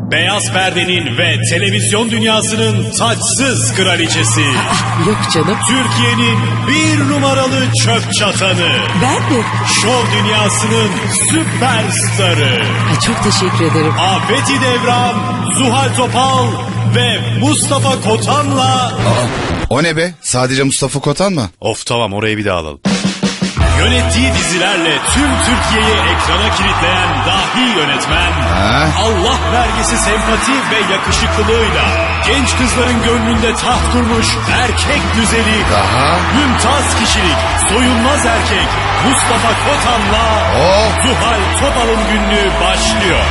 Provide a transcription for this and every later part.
Beyaz perdenin ve televizyon dünyasının taçsız kraliçesi. Yok canım. Türkiye'nin bir numaralı çöp çatanı. Ben mi? Şov dünyasının süperstarı. Ay, çok teşekkür ederim. Afeti Devran, Zuhal Topal ve Mustafa Kotan'la... O ne be? Sadece Mustafa Kotan mı? Of tamam, orayı bir daha alalım. Yönettiği dizilerle tüm Türkiye'yi ekrana kilitleyen dahi yönetmen, Allah vergisi sempati ve yakışıklılığıyla genç kızların gönlünde taht kurmuş erkek güzeli, mümtaz kişilik, soyunmaz erkek Mustafa Kotan'la Zuhal Topal'ın günlüğü başlıyor.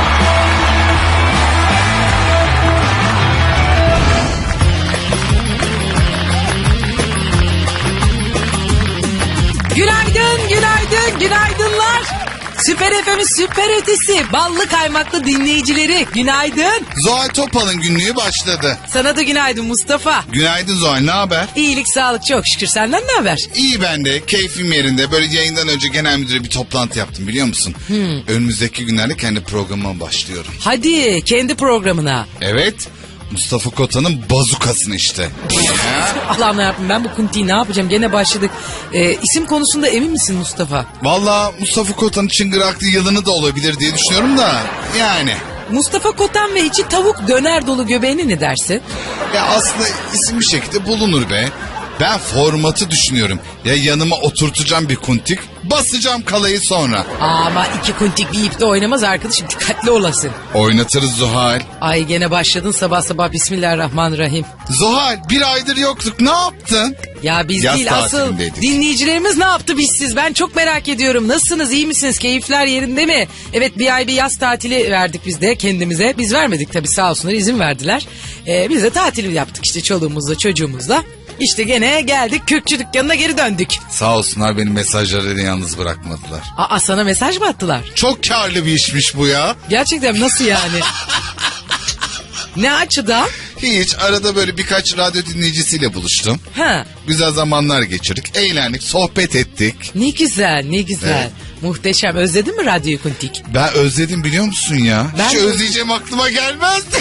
Günaydın, günaydın, günaydınlar. Süper FM'in süper ötesi, ballı kaymaklı dinleyicileri, günaydın. Zuhal Topal'ın günlüğü başladı. Sana da günaydın Mustafa. Günaydın Zuhal, ne haber? İyilik, sağlık, çok şükür. Senden ne haber? İyi ben de, keyfim yerinde. Böyle yayından önce genel müdüre bir toplantı yaptım, biliyor musun? Önümüzdeki günlerde kendi programıma başlıyorum. Hadi, kendi programına. Evet, Mustafa Kotan'ın bazukasını işte. Allah'ım yarabbim, ben bu kuntiyi ne yapacağım? Gene başladık. İsim konusunda emin misin Mustafa? Valla Mustafa Kotan'ın çıngıraklı yılını da olabilir diye düşünüyorum da yani. Mustafa Kotan ve içi tavuk döner dolu göbeğine ne dersin? Ya aslında isim bir şekilde bulunur be. Ben formatı düşünüyorum. Ya yanıma oturtacağım bir kuntik, basacağım kalayı sonra. Ama iki kuntik bir ipte oynamaz arkadaşım, dikkatli olasın. Oynatırız Zuhal. Ay gene başladın sabah sabah, bismillahirrahmanirrahim. Zuhal, bir aydır yoktuk, ne yaptın? Ya biz Yaz değil, asıl tatilindeydik. dinleyicilerimiz ne yaptı bizsiz? Ben çok merak ediyorum. Nasılsınız, iyi misiniz, keyifler yerinde mi? Evet, bir ay bir yaz tatili verdik biz de kendimize. Biz vermedik tabii, sağ olsunlar, izin verdiler. Biz de tatil yaptık işte çoluğumuzla çocuğumuzla. İşte gene geldik, Kürkçü dükkanına geri döndük. Sağ olsunlar, benim mesajlarını yalnız bırakmadılar. Aa, sana mesaj mı attılar? Çok karlı bir işmiş bu ya. Gerçekten nasıl yani? Ne açıdan? Hiç, arada böyle birkaç radyo dinleyicisiyle buluştum. Ha. Güzel zamanlar geçirdik, eğlendik, sohbet ettik. Ne güzel, ne güzel. Evet. Muhteşem. Özledin mi radyoyu kuntik? Ben özledim, biliyor musun ya? Ben Hiç de- özleyeceğim aklıma gelmezdi.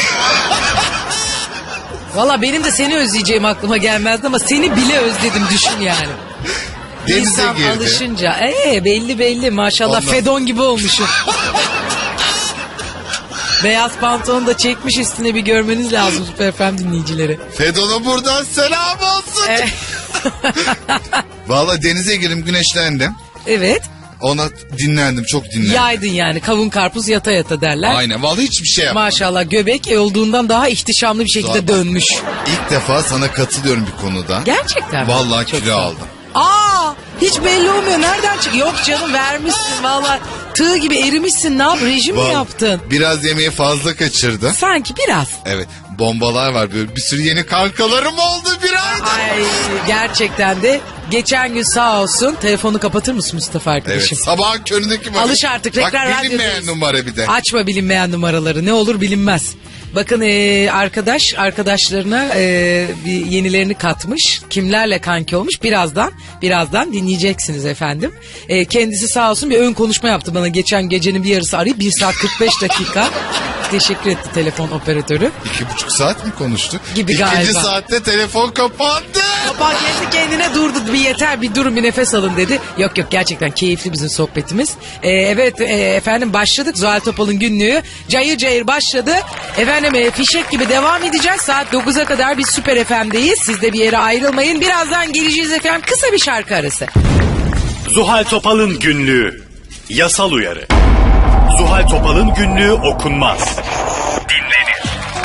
Valla benim de seni özleyeceğim aklıma gelmezdi ama seni bile özledim, düşün yani. Denize İnsan girdi. alışınca belli maşallah. Ondan- Fedon gibi olmuşum. Beyaz pantolonu da çekmiş üstüne, bir görmeniz lazım Süper FM dinleyicileri. Fedon'a buradan selam olsun. Vallahi denize girdim, güneşlendim. Evet. Ona dinlendim, çok dinlendim. Yaydın yani, kavun karpuz yata yata derler. Aynen, vallahi hiçbir şey yapmadım. Maşallah, göbek olduğundan daha ihtişamlı bir şekilde Zaten. dönmüş. İlk defa sana katılıyorum bir konuda. Gerçekten mi? Vallahi Çok kilo sağ ol. aldım. Aa, hiç belli olmuyor. Nereden çıkıyor? Yok canım, vermişsin vallahi. Tığ gibi erimişsin. Ne yap? Rejim mi Vallahi yaptın? Biraz yemeği fazla kaçırdım. Sanki biraz. Evet, bombalar var, böyle bir sürü yeni kankalarım oldu bir ayda. Ay, gerçekten de geçen gün sağ olsun, telefonu kapatır mısın Mustafa Evet, arkadaşım? sabahın köründeki numara. Alış artık, tekrar Bak, bilinmeyen radyodayız. numara bir de. Açma bilinmeyen numaraları, ne olur bilinmez. Bakın arkadaşlarına bir yenilerini katmış. Kimlerle kanki olmuş birazdan dinleyeceksiniz efendim. Kendisi sağ olsun bir ön konuşma yaptı bana geçen gecenin bir yarısı, arayıp 1 saat 45 dakika. Teşekkür etti telefon operatörü. 2,5 saat mi konuştuk? Gibi İkinci galiba. saatte telefon kapandı. Baba kendi kendine durdu, bir yeter, bir durun, bir nefes alın dedi. Yok gerçekten keyifli bizim sohbetimiz. Evet efendim, başladık. Zuhal Topal'ın günlüğü cayır cayır başladı. Efendim fişek gibi devam edeceğiz. Saat 9'a kadar biz Süper FM'deyiz. Siz de bir yere ayrılmayın. Birazdan geleceğiz efendim. Kısa bir şarkı arası. Zuhal Topal'ın günlüğü. Yasal uyarı. Zuhal Topal'ın günlüğü okunmaz. Dinlenir.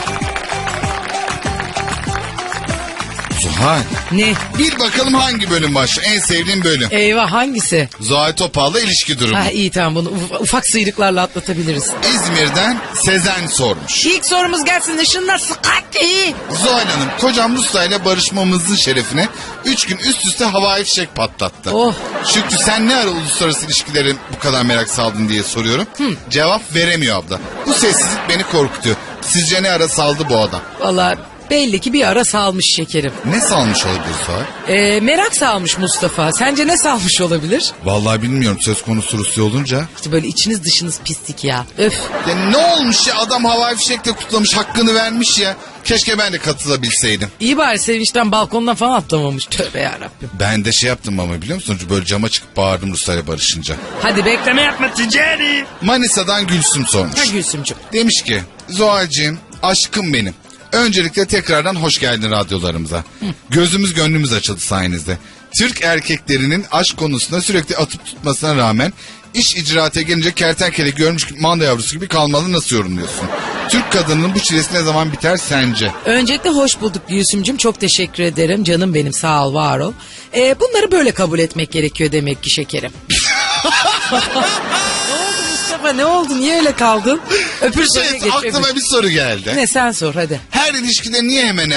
Zuhal, Ne? bir bakalım hangi bölüm başlıyor? En sevdiğim bölüm. Eyvah, hangisi? Zuhal Topal'la ilişki durumu. Ha iyi, tamam, bunu ufak sıyrıklarla atlatabiliriz. İzmir'den Sezen sormuş. İlk sorumuz gelsin. Işınlar sıkıntı. Zuhal Hanım, kocam Rusya ile barışmamızın şerefine 3 gün üst üste havai fişek patlattı. Oh. Şükrü, sen ne ara uluslararası ilişkilerin bu kadar merak saldın diye soruyorum. Cevap veremiyor abla. Bu sessizlik beni korkutuyor. Sizce ne ara saldı bu adam? Vallahi Belli ki bir ara salmış şekerim. Ne salmış olabilir Zuhal? Merak salmış Mustafa. Sence ne salmış olabilir? Vallahi bilmiyorum, söz konusu Rusya olunca. İşte böyle içiniz dışınız pislik ya. Öf. Ya ne olmuş ya, adam havai fişekle kutlamış, hakkını vermiş ya. Keşke ben de katılabilseydim. İyi bari sevinçten balkondan falan atlamamış. Tövbe yarabbim. Ben de şey yaptım ama, biliyor musun? Böyle cama çıkıp bağırdım Ruslarla barışınca. Hadi bekleme yapma ticari. Manisa'dan Gülsüm sormuş. Ha Gülsümcüm. Demiş ki Zuhal'cığım, aşkım benim. Öncelikle tekrardan hoş geldin radyolarımıza. Gözümüz gönlümüz açıldı sayenizde. Türk erkeklerinin aşk konusunda sürekli atıp tutmasına rağmen iş icraate gelince kertenkele görmüş manda yavrusu gibi kalmalı, nasıl yorumluyorsun? Türk kadının bu çilesi ne zaman biter sence? Öncelikle hoş bulduk Gülsümcüm. Çok teşekkür ederim. Canım benim, sağ ol, var ol. Bunları böyle kabul etmek gerekiyor demek ki şekerim. Ne oldu Mustafa, ne oldu? Niye öyle kaldın? Öpür soruya geç. Aklıma bir soru geldi. Ne, sen sor hadi. Her ilişkide niye hemen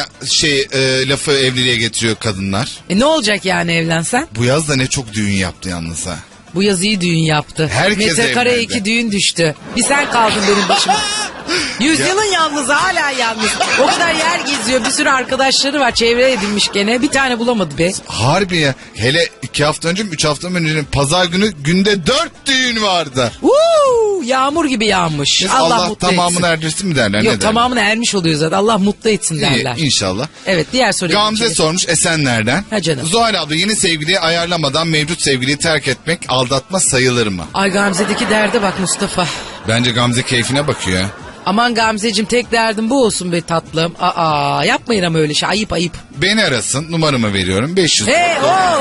lafı evliliğe getiriyor kadınlar? Ne olacak yani evlensen? Bu yaz da ne çok düğün yaptı yalnız ha. Bu yaz iyi düğün yaptı. Herkes Metrekare evlendi. 2 düğün düştü. Bir sen kaldın benim başıma. Yüzyılın yalnız, hala yalnız. O kadar yer geziyor, bir sürü arkadaşları var, çevre edinmiş gene. Bir tane bulamadı be. Harbi ya. Hele 2 hafta önce mi 3 hafta önce pazar günü günde 4 düğün vardı. Yağmur gibi yağmış. Allah mutlu tamamını etsin. erdirsin mi derler? Yok, ne derler? tamamını ermiş oluyor zaten. Allah mutlu etsin derler. İyi, inşallah. Evet, diğer soruya Gamze geçelim. sormuş Esenler'den. Ha canım. Zuhal abla, yeni sevgiliyi ayarlamadan mevcut sevgiliyi terk etmek aldatma sayılır mı? Ay Gamze'deki derde bak Mustafa. Bence Gamze keyfine bakıyor ya. Aman Gamzeciğim, tek derdim bu olsun be tatlım. Yapmayın ama öyle şey, ayıp ayıp. Beni arasın, numaramı veriyorum 500. Hey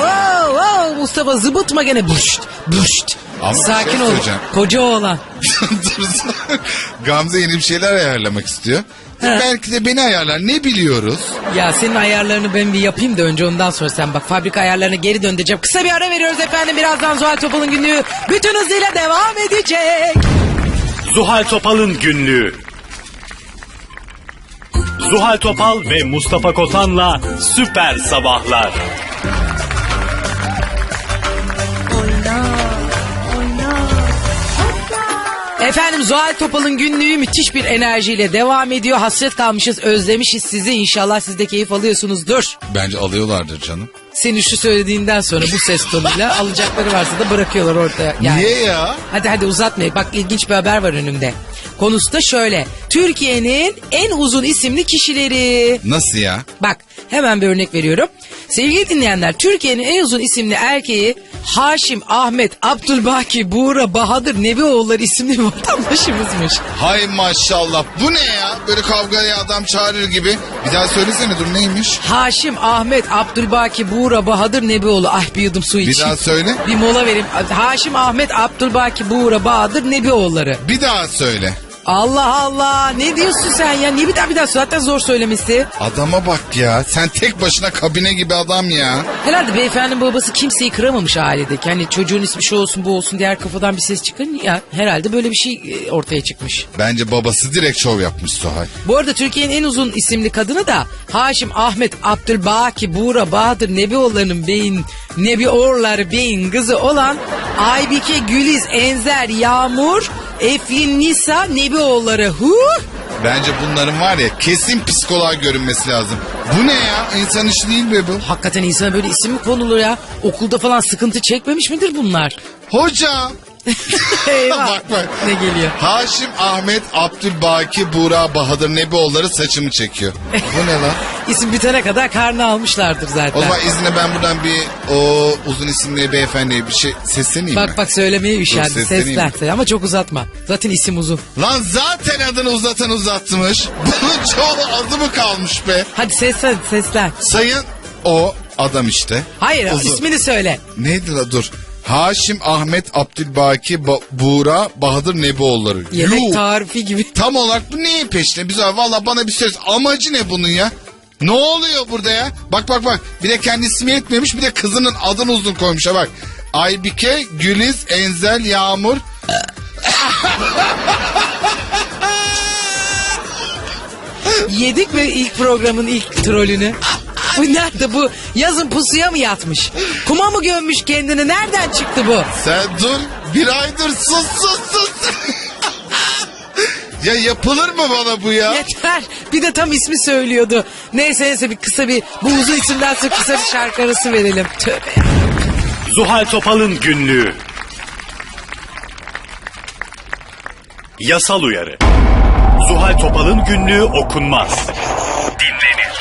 Mustafa, zıbıtma gene, buşt. Ama bir Sakin şey ol, söyleyeceğim. koca oğlan. Dursun. Gamze yeni bir şeyler ayarlamak istiyor. Belki de beni ayarlar, ne biliyoruz? Ya senin ayarlarını ben bir yapayım da önce, ondan sonra sen bak, fabrika ayarlarına geri döneceğim. Kısa bir ara veriyoruz efendim, birazdan Zuhal Topal'ın günlüğü bütün hızıyla devam edecek. Zuhal Topal'ın günlüğü. Zuhal Topal ve Mustafa Kotan'la Süper Sabahlar. Efendim, Zuhal Topal'ın günlüğü müthiş bir enerjiyle devam ediyor. Hasret kalmışız, özlemişiz sizi. İnşallah siz de keyif alıyorsunuzdur. Bence alıyorlardır canım. Senin şu söylediğinden sonra bu ses tonuyla alacakları varsa da bırakıyorlar ortaya. Yani. Niye ya? Hadi uzatmayın. Bak, ilginç bir haber var önümde. Konusu da şöyle. Türkiye'nin en uzun isimli kişileri. Nasıl ya? Bak, hemen bir örnek veriyorum. Sevgili dinleyenler, Türkiye'nin en uzun isimli erkeği Haşim Ahmet Abdülbaki Buğra Bahadır Nebioğulları isimli bir vatandaşımızmış. Hay maşallah, bu ne ya? Böyle kavgaya adam çağırır gibi. Bir daha söylesene, dur neymiş? Haşim Ahmet Abdülbaki Buğra Bahadır Nebioğlu. Ay, bir yudum su Bir içeyim. daha söyle. Bir mola vereyim. Haşim Ahmet Abdülbaki Buğra Bahadır Nebioğulları. Bir daha söyle. Allah Allah, ne diyorsun sen ya? Niye bir daha zaten zor söylemesi. Adama bak ya, sen tek başına kabine gibi adam ya. Herhalde beyefendinin babası kimseyi kıramamış ailedeki. Hani çocuğun ismi şu olsun bu olsun, diğer kafadan bir ses çıkın ya. Herhalde böyle bir şey ortaya çıkmış. Bence babası direkt şov yapmış Zuhal. Bu arada Türkiye'nin en uzun isimli kadını da Haşim Ahmet Abdülbaki Buğra Bahadır Nebioğulları'nın Nebioğulları beyin kızı olan Aybike Güliz Enzer Yağmur Eflin Nisa Nebioğulları. Bence bunların var ya, kesin psikoloğa görünmesi lazım. Bu ne ya? İnsan işi değil be bu. Hakikaten insana böyle isim mi konulur ya? Okulda falan sıkıntı çekmemiş midir bunlar? Hocam. Eyvah. Bak. Ne geliyor? Haşim Ahmet Abdülbaki Buğra Bahadır Nebioğulları saçımı çekiyor. Bu ne lan? İsim bitene kadar karnı almışlardır zaten. O zaman izine ben buradan bir o uzun isimli beyefendiye bir şey sesleneyim mi? Bak söylemeye üşendi. Dur, sesleneyim. Seslen ama çok uzatma. Zaten isim uzun. Lan zaten adını uzatmış. Bunun çoğu adı mı kalmış be? Hadi seslen. Sayın o adam işte. Hayır, Uzun. ismini söyle. Neydi la, dur. Haşim Ahmet Abdülbaki Buğra Bahadır Nebioğulları. Yemek Yuh. tarifi gibi. Tam olarak bu neyin peşinde? Biz valla bana bir söz. Amacı ne bunun ya? Ne oluyor burada ya? Bak. Bir de kendi ismi yetmemiş, bir de kızının adını uzun koymuş ha bak. Aybike Güliz Enzel Yağmur. Yedik mi ilk programın ilk trolünü? Bu nerede bu? Yazın pusuya mı yatmış? Kuma mı gömmüş kendini? Nereden çıktı bu? Sen dur, bir aydır sus. Ya yapılır mı bana bu ya? Yeter. Bir de tam ismi söylüyordu. Neyse bir kısa bir bu uzun isimden sonra kısa bir şarkı arası verelim. Tövbe ya. Zuhal Topal'ın günlüğü. Yasal uyarı. Zuhal Topal'ın günlüğü okunmaz. Dinlenir.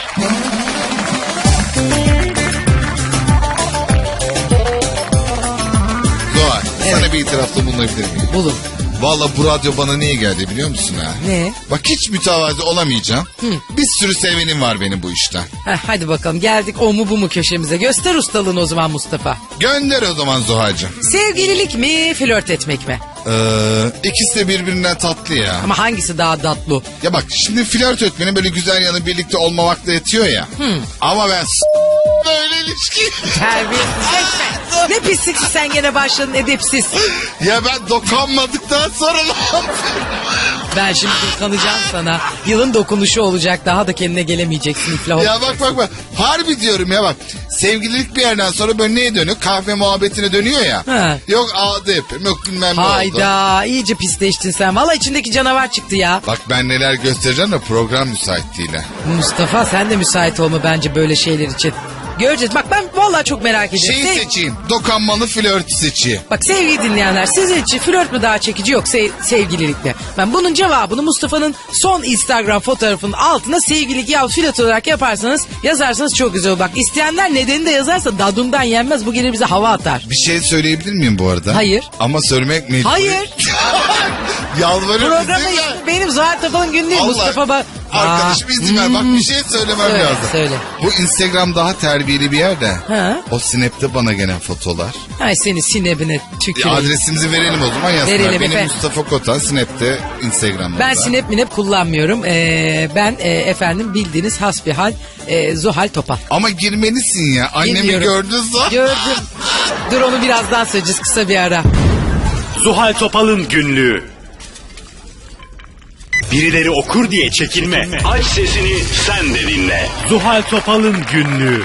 Zuhal, sana bir itirafta bulunabilir miyim? Bulun. Valla bu radyo bana niye geldi biliyor musun ha? Ne? Bak hiç mütevazi olamayacağım. Bir sürü sevenim var benim bu işten. Hadi bakalım geldik o mu bu mu köşemize. Göster ustalığını o zaman Mustafa. Gönder o zaman Zuhal'cığım. Sevgililik mi flört etmek mi? İkisi de birbirinden tatlı ya. Ama hangisi daha tatlı? Ya bak şimdi flört etmenin böyle güzel yanı birlikte olmamakla yetiyor ya. Ama ben böyle ilişki. Terbiyesizleşme. Ne pisliksin sen gene başladın edepsiz. Ya ben dokunmadıktan sonra ne yapayım? Ben şimdi dokunacağım sana. Yılın dokunuşu olacak. Daha da kendine gelemeyeceksin iflah. Ya bak. Harbi diyorum ya bak. Sevgililik bir yerden sonra böyle neye dönüyor? Kahve muhabbetine dönüyor ya. Ha. Yok ağda yapayım yok bilmem ne oldu. Hayda iyice pisleştin sen. Valla içindeki canavar çıktı ya. Bak ben neler göstereceğim de program müsaitliğiyle. Mustafa sen de müsait olma bence böyle şeyler için. Göreceğiz. Bak ben vallahi çok merak ediyorum. Şeyi seçeyim. Dokanmalı flört seçeyim. Bak sevgili dinleyenler sizin için flört mü daha çekici yok sevgililik mi? Ben bunun cevabını Mustafa'nın son Instagram fotoğrafının altına sevgililik ya flört olarak yaparsanız yazarsanız çok güzel olur. Bak isteyenler nedeni de yazarsa dadundan yenmez bu gelir bize hava atar. Bir şey söyleyebilir miyim bu arada? Hayır. Ama söylemek mecburi. Hayır. Yalvarırım. Programda ismi benim Zuhal Topal'ın günlüğü Allah. Mustafa Arkadaşım izin ver. Bak bir şey söylemem Söyle, lazım. söyle. Bu Instagram daha terbiyeli bir yerde. Ha? O Snap'te bana gelen fotolar. Ay seni sinebine tüküreyim. Adresimizi verelim o zaman yazsınlar. Verelim Benim efendim. Mustafa Kotan Snap'te Instagram'da. Ben Snap minep kullanmıyorum. Ben efendim bildiğiniz hasbihal Zuhal Topal. Ama girmelisin ya. Annemi Bilmiyorum. gördün zaman. Gördüm. Dur onu birazdan söyleyeceğiz kısa bir ara. Zuhal Topal'ın günlüğü. Birileri okur diye çekinme. Aç sesini sen de dinle. Zuhal Topal'ın günlüğü.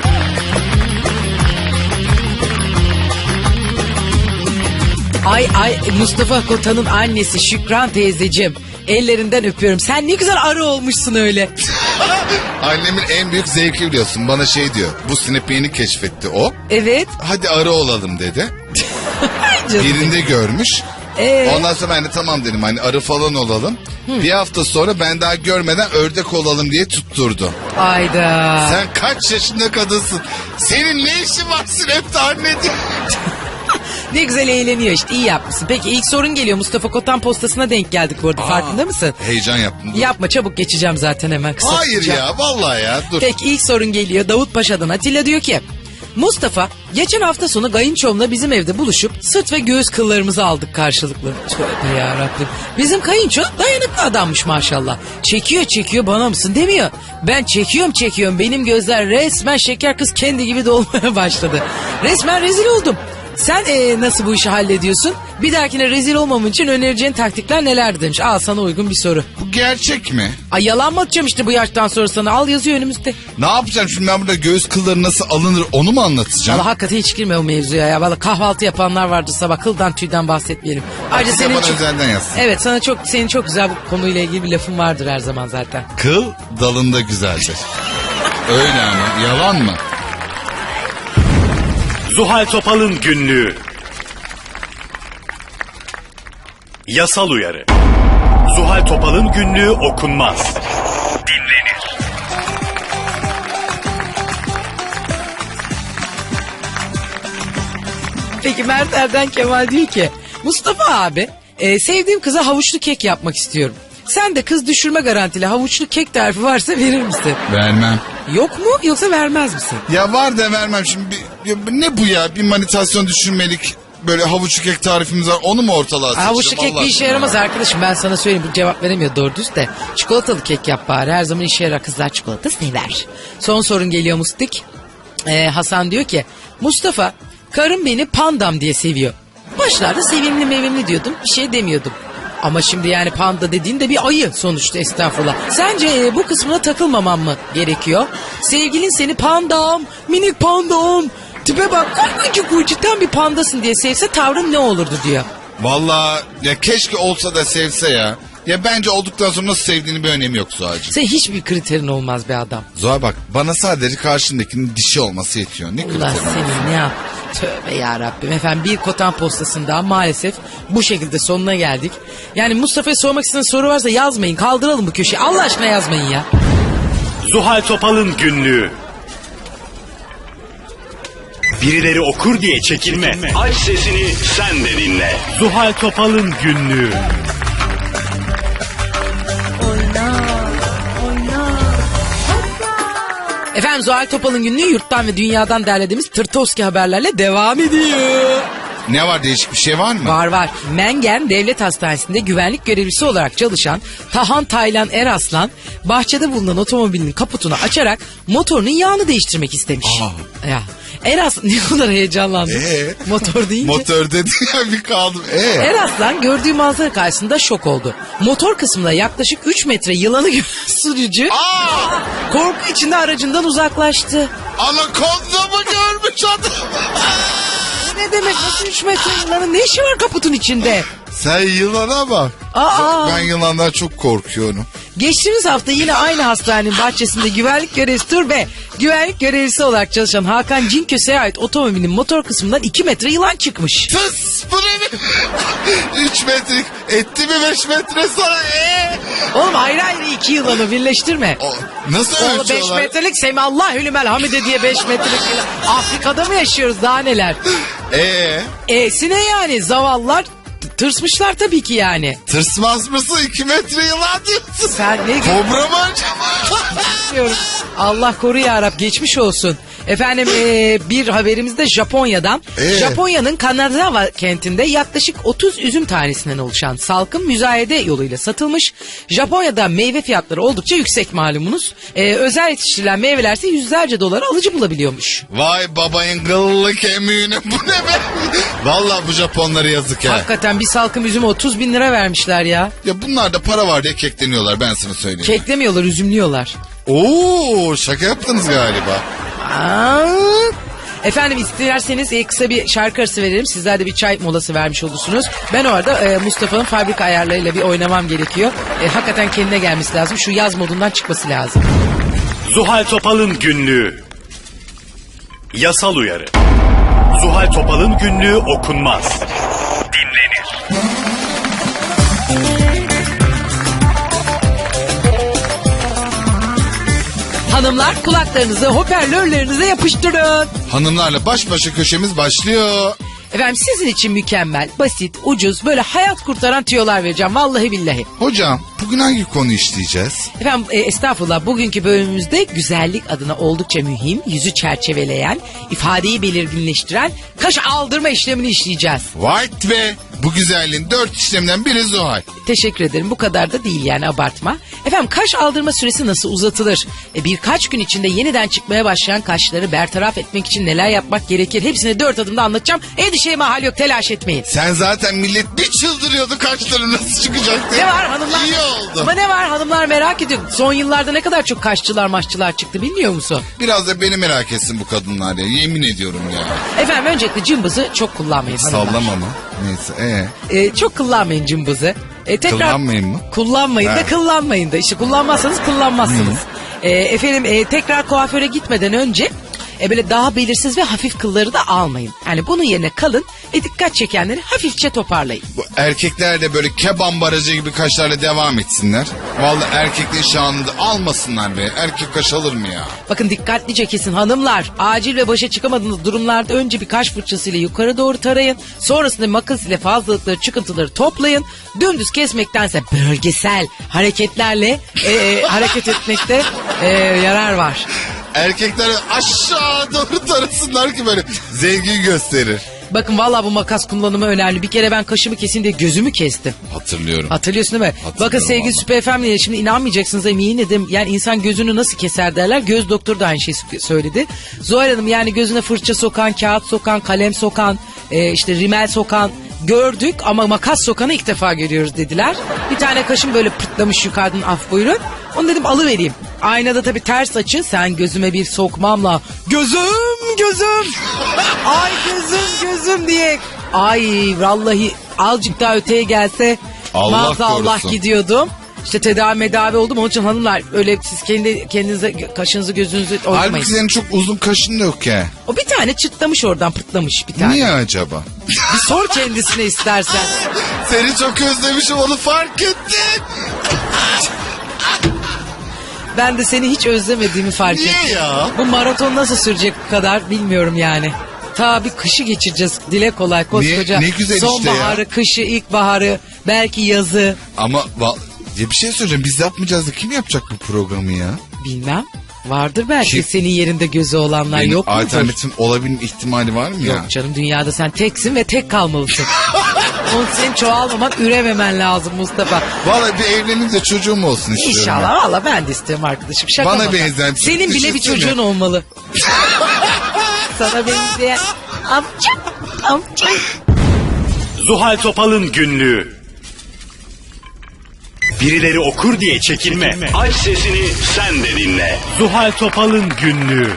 Ay Mustafa Kotan'ın annesi Şükran teyzeciğim. Ellerinden öpüyorum. Sen ne güzel arı olmuşsun öyle. Annemin en büyük zevki biliyorsun. Bana şey diyor. Bu Snap'i yeni keşfetti o. Evet. Hadi arı olalım dedi. Canım. Birinde görmüş. Ondan sonra ben de tamam dedim hani arı falan olalım. Bir hafta sonra ben daha görmeden ördek olalım diye tutturdu. Ayda. Sen kaç yaşında kadınsın? Senin ne işin var Snap'te anneciğim? Ne güzel eğleniyor işte iyi yapmışsın. Peki ilk sorun geliyor Mustafa Kotan postasına denk geldik bu arada farkında mısın? Heyecan yaptım. Dur. Yapma çabuk geçeceğim zaten hemen kısa. Hayır tutacağım. ya vallahi ya dur. Peki ilk sorun geliyor Davut Paşa'dan. Atilla diyor ki Mustafa geçen hafta sonu kayınçomla bizim evde buluşup sırt ve göğüs kıllarımızı aldık karşılıklı. Tövbe yarabbim. Bizim kayınço dayanıklı adammış maşallah. Çekiyor bana mısın demiyor. Ben çekiyorum benim gözler resmen şeker kız kendi gibi dolmaya başladı. Resmen rezil oldum. Sen nasıl bu işi hallediyorsun? Bir dahakine rezil olmamın için önereceğin taktikler nelerdir demiş. Al sana uygun bir soru. Bu gerçek mi? Ay yalan mı atacağım işte bu yaştan sonra sana? Al yazıyor önümüzde. Ne yapacağım şimdi ben burada göğüs kılları nasıl alınır onu mu anlatacağım? Valla hakikaten hiç girme o mevzuya ya. Valla kahvaltı yapanlar vardı sabah kıldan tüyden bahsetmeyelim. Ayrıca Size senin bana özelden yazsın. Evet senin çok güzel bu konuyla ilgili bir lafın vardır her zaman zaten. Kıl dalında güzeldir. Öyle ama yalan mı? Zuhal Topal'ın günlüğü. Yasal uyarı. Zuhal Topal'ın günlüğü okunmaz. Dinlenir. Peki Mert Erden Kemal diyor ki Mustafa abi sevdiğim kıza havuçlu kek yapmak istiyorum. Sen de kız düşürme garantili havuçlu kek tarifi varsa verir misin? Vermem. Yok mu yoksa vermez misin? Ya var da vermem şimdi. Ne bu ya? Bir manitasyon düşünmelik böyle havuçlu kek tarifimiz var. Onu mu ortalığa seçeceğim? Havuçlu kek Allah bir işe aşkına yaramaz ya? arkadaşım. Ben sana söyleyeyim bu cevap veremiyor doğru düz de. Çikolatalı kek yap bari. Her zaman işe yarar. Kızlar çikolata sever. Son sorun geliyor Mustik. Hasan diyor ki Mustafa karım beni pandam diye seviyor. Başlarda sevimli mevimli diyordum. Bir şey demiyordum. Ama şimdi yani panda dediğin de bir ayı sonuçta estağfurullah. Sence bu kısmına takılmamam mı gerekiyor? Sevgilin seni pandam, minik pandam, tipe bak cidden bir pandasın diye sevse tavrın ne olurdu diyor. Vallahi ya keşke olsa da sevse ya. Ya bence olduktan sonra nasıl sevdiğini bir önemi yok Zuhal'cığım. Sen hiçbir kriterin olmaz be adam. Zuhal bak, bana sadece karşındakinin dişi olması yetiyor. Ne Allah kriteri? seni ne yap? Tövbe yarabbim. Efendim bir kotan postasında maalesef bu şekilde sonuna geldik. Yani Mustafa'ya sormak istediğiniz soru varsa yazmayın. Kaldıralım bu köşeyi. Allah aşkına yazmayın ya. Zuhal Topal'ın günlüğü. Birileri okur diye çekinme. Aç sesini sen de dinle. Zuhal Topal'ın günlüğü. Efendim Zuhal Topal'ın günlüğü yurttan ve dünyadan derlediğimiz Tırtovski haberlerle devam ediyor. Ne var, değişik bir şey var mı? Var. Mengen Devlet Hastanesi'nde güvenlik görevlisi olarak çalışan Tahan Taylan Eraslan bahçede bulunan otomobilinin kaputunu açarak motorunun yağını değiştirmek istemiş. Ya Eras ne kadar heyecanlandı. Motor deyince. Motor dedi ya, bir kaldım. Eraslan gördüğü manzara karşısında şok oldu. Motor kısmında yaklaşık 3 metre yılanı gören sürücü korku içinde aracından uzaklaştı. Anakonda mı görmüş adam? Ne demek, nasıl 3 metre yılanın ne işi var kaputun içinde? Sen yılana bak. Ben yılandan çok korkuyorum. Geçtiğimiz hafta yine aynı hastanenin bahçesinde güvenlik görevlisi olarak çalışan Hakan Cinköse'ye ait otomobilin motor kısmından 2 metre yılan çıkmış. Tıs, bu ne? 3 metrelik etti mi 5 metre sana? Oğlum ayrı 2 yılanı birleştirme. Nasıl Oğlum 5 ölçüyorlar? metrelik Semallahülümel Hamide diye 5 metrelik yılan. Afrika'da mı yaşıyoruz, daha neler? Sine yani zavallılar tırsmışlar tabii ki yani. Tırsmaz mısın, 2 metre yılan diyorsun? Sen ne Kobra mı acaba? diyorum. Allah koru yarab, geçmiş olsun. Efendim bir haberimiz de Japonya'dan. Japonya'nın Kanagawa kentinde yaklaşık 30 üzüm tanesinden oluşan salkım müzayede yoluyla satılmış. Japonya'da meyve fiyatları oldukça yüksek malumunuz. Özel yetiştirilen meyvelerse yüzlerce dolara alıcı bulabiliyormuş. Vay babayın kıllı kemiğini, bu ne be? Vallahi bu Japonlara yazık ya. Hakikaten bir salkım üzüme 30 bin lira vermişler ya. Ya bunlar da para var diye kekleniyorlar, ben sana söyleyeyim. Keklemiyorlar, üzümlüyorlar. Oo, şaka yaptınız galiba. Efendim isterseniz kısa bir şarkı arası verelim. Sizler de bir çay molası vermiş olursunuz. Ben orada Mustafa'nın fabrika ayarlarıyla bir oynamam gerekiyor. Hakikaten kendine gelmesi lazım. Şu yaz modundan çıkması lazım. Zuhal Topal'ın günlüğü. Yasal uyarı. Zuhal Topal'ın günlüğü okunmaz. Dinlenir. Hanımlar kulaklarınızı hoparlörlerinize yapıştırın. Hanımlarla baş başa köşemiz başlıyor. Efendim sizin için mükemmel, basit, ucuz, böyle hayat kurtaran tüyolar vereceğim vallahi billahi. Hocam bugün hangi konu işleyeceğiz? Efendim estağfurullah, bugünkü bölümümüzde güzellik adına oldukça mühim, yüzü çerçeveleyen, ifadeyi belirginleştiren kaş aldırma işlemini işleyeceğiz. White ve bu güzelliğin 4 işleminden biri Zuhal. Teşekkür ederim, bu kadar da değil yani, abartma. Efendim kaş aldırma süresi nasıl uzatılır? Birkaç gün içinde yeniden çıkmaya başlayan kaşları bertaraf etmek için neler yapmak gerekir? Hepsini 4 adımda anlatacağım. Endişeye mahal yok, telaş etmeyin. Sen zaten millet bir çıldırıyordu kaşların nasıl çıkacak diye. Ne var hanımlar? İyi oldu. Ama ne var, hanımlar merak ediyor. Son yıllarda ne kadar çok kaşçılar maşçılar çıktı bilmiyor musun? Biraz da beni merak etsin bu kadınlar ya, yemin ediyorum ya. Efendim öncelikle cımbızı çok kullanmayın hanımlar. Sallama mı? Neyse Çok kullanmayın cımbızı. Kullanmayın mı? Kullanmayın da kullanmayın da. İşte kullanmazsanız kullanmazsınız. Efendim tekrar kuaföre gitmeden önce böyle daha belirsiz ve hafif kılları da almayın. Yani bunun yerine kalın ve dikkat çekenleri hafifçe toparlayın. Bu erkekler de böyle keban barajı gibi kaşlarla devam etsinler. Vallahi erkekliğin şanını da almasınlar be. Erkek kaş alır mı ya? Bakın dikkatlice kesin hanımlar. Acil ve başa çıkamadığınız durumlarda önce bir kaş fırçasıyla yukarı doğru tarayın. Sonrasında makas ile fazlalıkları, çıkıntıları toplayın. Dümdüz kesmektense bölgesel hareketlerle hareket etmekte yarar var. Erkekler aşağı doğru tarasınlar ki böyle zengin gösterir. Bakın vallahi bu makas kullanımı önemli. Bir kere ben kaşımı keseyim diye gözümü kestim. Hatırlıyorum. Hatırlıyorsun değil mi? Bakın sevgili vallahi. Süper FM'le şimdi inanmayacaksınız eminim dedim. Yani insan gözünü nasıl keser derler. Göz doktoru da aynı şeyi söyledi. Zuhal Hanım yani gözüne fırça sokan, kağıt sokan, kalem sokan, işte rimel sokan gördük ama makas sokanı ilk defa görüyoruz dediler. Bir tane kaşım böyle pırtlamış yukarıdan, af buyurun. Onu dedim alıvereyim. Aynada tabii ters açı, sen gözüme bir sokmamla gözüm ay gözüm diye, ay vallahi azıcık daha öteye gelse Allah Maazallah korusun. gidiyordum. İşte tedavi oldum. Onun için hanımlar öyle siz kendinize kaşınızı gözünüzü oynamayın. Halbuki senin çok uzun kaşın da yok ya. O bir tane çıtlamış oradan, pırtlamış bir tane. Niye acaba? Bir sor kendisine istersen. Seni çok özlemişim, onu fark ettim. Ben de seni hiç özlemediğimi fark Niye ettim. ya? Bu maraton nasıl sürecek bu kadar bilmiyorum yani. Ta bir kışı geçireceğiz. Dile kolay koskoca. Ne güzel işte sonbaharı, ya. kışı, ilkbaharı, belki yazı. Ama ya bir şey söyleyeceğim, biz yapmayacağız da kim yapacak bu programı ya? Bilmem. Vardır belki Kim? senin yerinde gözü olanlar, Benim yok mudur? alternatifim olabilme ihtimali var mı ya? Yok canım, dünyada sen teksin ve tek kalmalısın. Onun senin çoğalmaman, ürememen lazım Mustafa. Vallahi bir evleneyim de çocuğum olsun istiyorum. İnşallah, valla ben de istiyorum arkadaşım. Şaka Bana maka. benzeyen, Senin bile bir düşünsene. çocuğun olmalı. Sana benzeyen amca. Zuhal Topal'ın günlüğü. Birileri okur diye çekinme. Aç sesini sen de dinle. Zuhal Topal'ın günlüğü.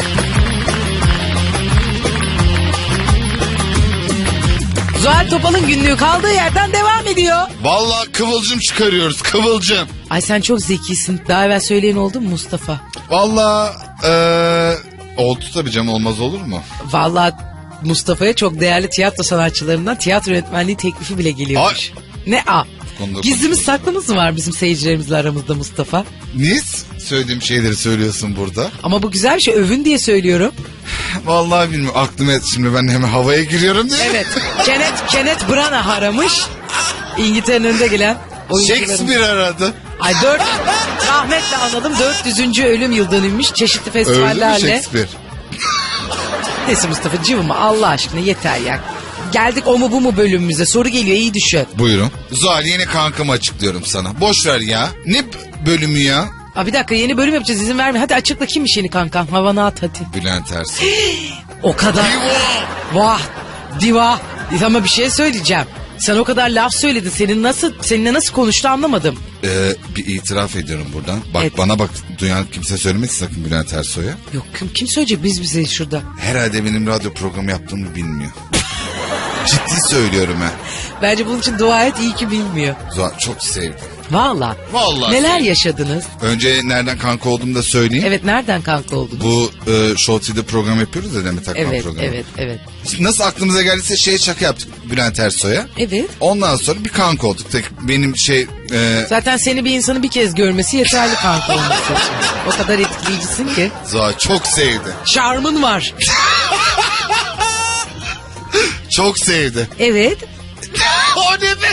Zuhal Topal'ın günlüğü kaldığı yerden devam ediyor. Vallahi kıvılcım çıkarıyoruz, kıvılcım. Ay sen çok zekisin. Daha evvel söyleyen oldu mu Mustafa? Vallahi oldu tabii canım, olmaz olur mu? Vallahi Mustafa'ya çok değerli tiyatro sanatçılarından tiyatro yönetmenliği teklifi bile geliyormuş. Ne a? Konuda Gizlimiz konuşalım. saklımız mı var bizim seyircilerimizle aramızda Mustafa? Niye söylediğim şeyleri söylüyorsun burada? Ama bu güzel bir şey, övün diye söylüyorum. Vallahi bilmiyorum, aklıma şimdi ben hemen havaya giriyorum diye. Evet. Kenneth Branagh aramış. İngiltere'nin önde gelen oyuncularımız. Shakespeare aradı. Ay rahmetle anladım, 400. ölüm yıl dönülmüş çeşitli Öldü mü festivallerle. Shakespeare? Neyse Mustafa cıvıma Allah aşkına, yeter ya. Geldik o mu bu mu bölümümüze, soru geliyor, iyi düşün. Buyurun. Zuhal, yeni kankamı açıklıyorum sana. Boş ver ya. Ne bölümü ya? Aa, bir dakika, yeni bölüm yapacağız, izin verme. Hadi açıkla, kimmiş yeni kankam, havana at hadi. Bülent Ersoy. O kadar. Vah diva. Ama bir şey söyleyeceğim. Sen o kadar laf söyledin. Seninle nasıl konuştu anlamadım. Bir itiraf ediyorum buradan. Bak Evet. bana bak, duyan kimse söylemesin sakın Bülent Ersoy'a. Yok kim söyleyecek, biz bize şurada. Herhalde benim radyo programı yaptığımı bilmiyor. Ciddi söylüyorum ha. Bence bunun için dua et, iyi ki bilmiyor. Zuhal, çok sevdim. Vallahi. Vallahi Neler sevdim. yaşadınız? Önce nereden kanka olduğumu da söyleyeyim. Evet, nereden kanka oldunuz? Bu Show TV'de program yapıyoruz ya, Demet Akman Evet, programı. evet. Nasıl aklımıza geldiyse şaka yaptık Bülent Ersoy'a. Evet. Ondan sonra bir kanka olduk. Tek benim Zaten seni bir insanın bir kez görmesi yeterli kanka olması için. O kadar etkileyicisin ki. Zuhal çok sevdi. Şarmın var. Çok sevdi. Evet. O ne be?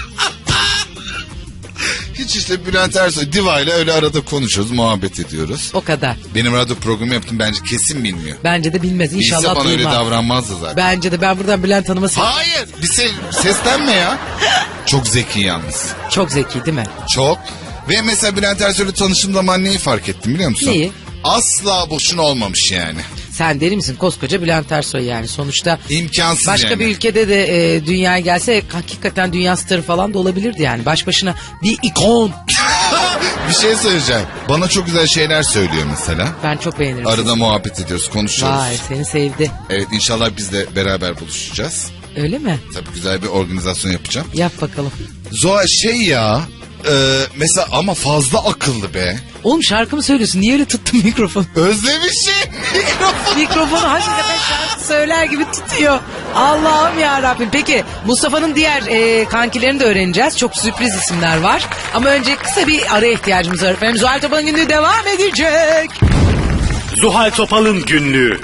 Hiç işte Bülent Ersoy Diva ile öyle arada konuşuyoruz, muhabbet ediyoruz. O kadar. Benim radyo programı yaptım, bence kesin bilmiyor. Bence de bilmez. Bilse İnşallah bana öyle duymaz. davranmazdı zaten. Bence de, ben buradan Bülent Hanım'a Hayır, bir seslenme ya. Çok zeki yalnız. Çok zeki değil mi? Çok. Ve mesela Bülent Ersoy'la tanıştığım zaman neyi fark ettim biliyor musun? Neyi? Asla boşuna olmamış yani. Sen deli misin? Koskoca Bülent Ersoy yani. Sonuçta İmkansız başka yani. bir ülkede de dünyaya gelse hakikaten dünya starı falan da olabilirdi yani. Baş başına bir ikon. Bir şey söyleyeceğim. Bana çok güzel şeyler söylüyor mesela. Ben çok beğenirim. Arada muhabbet ediyoruz, konuşuyoruz. Vay, seni sevdi. Evet, inşallah biz de beraber buluşacağız. Öyle mi? Tabii güzel bir organizasyon yapacağım. Yap bakalım. Zoa mesela ama fazla akıllı be. Oğlum şarkı mı söylüyorsun? Niye öyle tuttun mikrofonu? Özlemişim mikrofon. Mikrofonu hakikaten şarkı söyler gibi tutuyor. Allah'ım ya Rabbim. Peki Mustafa'nın diğer kankilerini de öğreneceğiz. Çok sürpriz isimler var. Ama önce kısa bir araya ihtiyacımız var efendim. Zuhal Topal'ın günlüğü devam edecek. Zuhal Topal'ın günlüğü.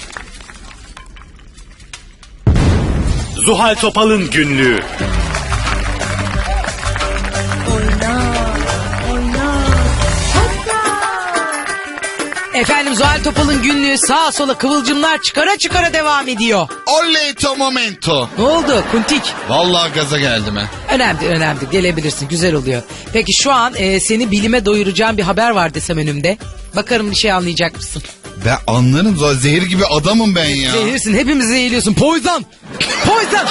Zuhal Topal'ın günlüğü. Efendim Zuhal Topal'ın günlüğü sağa sola kıvılcımlar çıkara çıkara devam ediyor. Oley momento. Ne oldu Kuntik? Vallahi gaza geldim ha. Önemli gelebilirsin, güzel oluyor. Peki şu an seni bilime doyuracağım bir haber var desem önümde. Bakarım bir şey anlayacak mısın? Ben anlarım Zoa, zehir gibi adamım ben ya. Zehirsin, hepimizi zehirliyorsun. Poison! Poison!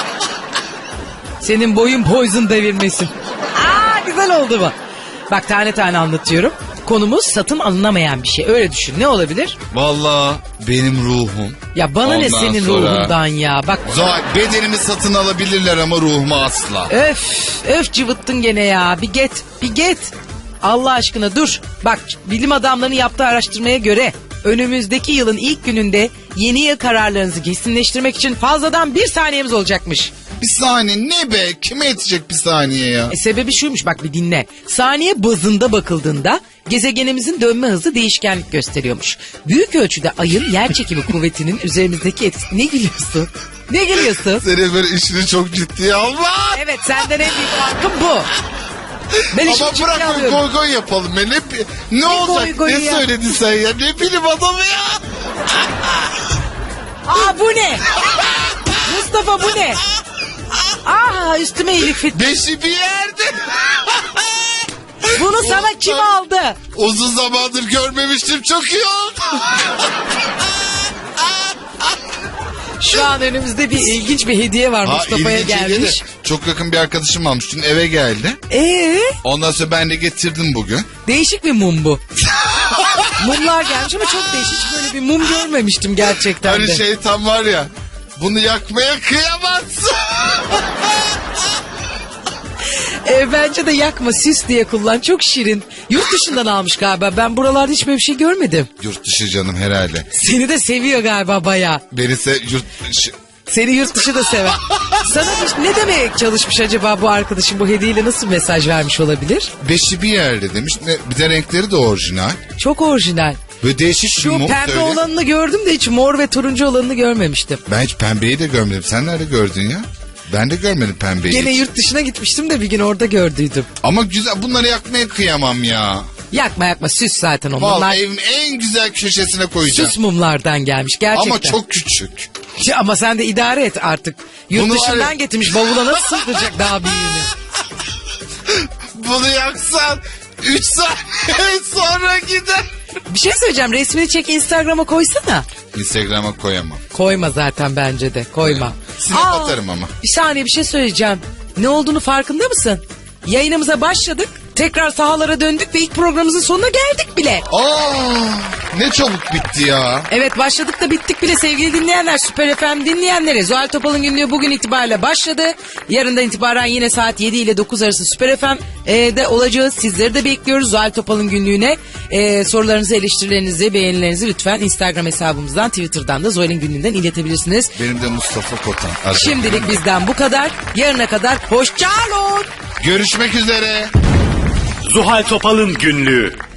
Senin boyun poison devirmesin. Aa, güzel oldu bu. Bak tane tane anlatıyorum. konumuz satın alınamayan bir şey. Öyle düşün. Ne olabilir? Vallahi benim ruhum. Ya bana ne Ondan senin sonra- ruhundan ya. Bak Zuhal, bedenimi satın alabilirler ama ruhumu asla. öf cıvıttın gene ya. Bir get. Allah aşkına dur. Bak bilim adamlarının yaptığı araştırmaya göre önümüzdeki yılın ilk gününde yeni yıl kararlarınızı kesinleştirmek için fazladan 1 saniyemiz olacakmış. Bir saniye ne be? Kime yetecek bir saniye ya? Sebebi şuymuş, bak bir dinle. Saniye bazında bakıldığında gezegenimizin dönme hızı değişkenlik gösteriyormuş. Büyük ölçüde ayın yer çekimi kuvvetinin üzerimizdeki etkisi... Ne gülüyorsun? Ne gülüyorsun? Senin böyle işini çok ciddiye alma. Evet, senden en büyük farkım bu. Ben işimi Ama ciddiye bırak böyle alıyorum. goy goy yapalım. Ne olacak? goy goyu Ne ya? söyledin sen ya? Ne bilim adamı ya? Aa bu ne? Mustafa bu ne? Aa üstüme iyilik fit. Beşi bir yerde. Bunu sana kim aldı? Uzun zamandır görmemiştim, çok iyi oldu. Şu an önümüzde bir ilginç bir hediye var, Mustafa'ya ilginç hediye de gelmiş. Çok yakın bir arkadaşım almış. Dün eve geldi. Ondan sonra ben de getirdim bugün. Değişik bir mum bu. Mumlar gelmiş ama çok değişik. Hiç böyle bir mum görmemiştim gerçekten Hani de. şeytan var ya. Bunu yakmaya kıyamazsın. Bence de yakma, süs diye kullan. Çok şirin. Yurt dışından almış galiba. Ben buralarda hiç böyle bir şey görmedim. Yurt dışı canım herhalde. Seni de seviyor galiba bayağı. Beni yurt dışı... Seni yurt dışı da sever. Sana ne demeye çalışmış acaba bu arkadaşın, bu hediyeyle nasıl mesaj vermiş olabilir? Beşi bir yerde demiş. Bir de renkleri de orijinal. Çok orijinal. Böyle değişik bir Şu mum pembe söyle. olanını gördüm de hiç mor ve turuncu olanını görmemiştim. Ben hiç pembeyi de görmedim. Sen nerede gördün ya? Ben de görmedim pembeyi. Gene hiç. yurt dışına gitmiştim de bir gün orada gördüydüm. Ama güzel, bunları yakmaya kıyamam ya. Yakma süs zaten o. Vallahi Bunlar evin en güzel köşesine koyacağım. süs mumlardan gelmiş gerçekten. Ama çok küçük. Ama sen de idare et artık. Yurt Bunu var dışından ya- getirmiş, bavula nasıl sığdıracak daha büyüğünü? Bunu yaksan 3 saniye sonra gider. Bir şey söyleyeceğim, resmini çek Instagram'a koysana. Instagram'a koyamam. Koyma zaten, bence de koyma. Snap atarım ama. Bir saniye, bir şey söyleyeceğim. Ne olduğunu farkında mısın? Yayınımıza başladık. Tekrar sahalara döndük ve ilk programımızın sonuna geldik bile. Ne çabuk bitti ya. Evet, başladık da bittik bile sevgili dinleyenler. Süper FM dinleyenlere Zuhal Topal'ın günlüğü bugün itibariyle başladı. Yarından itibaren yine saat 7 ile 9 arası Süper FM'de olacağız. Sizleri de bekliyoruz Zuhal Topal'ın günlüğüne. Sorularınızı, eleştirilerinizi, beğenilerinizi lütfen Instagram hesabımızdan, Twitter'dan da Zuhal'in günlüğünden iletebilirsiniz. Benim de Mustafa Kotan. Şimdilik bizden bu kadar. Yarına kadar hoşçakalın. Görüşmek üzere. Zuhal Topal'ın günlüğü.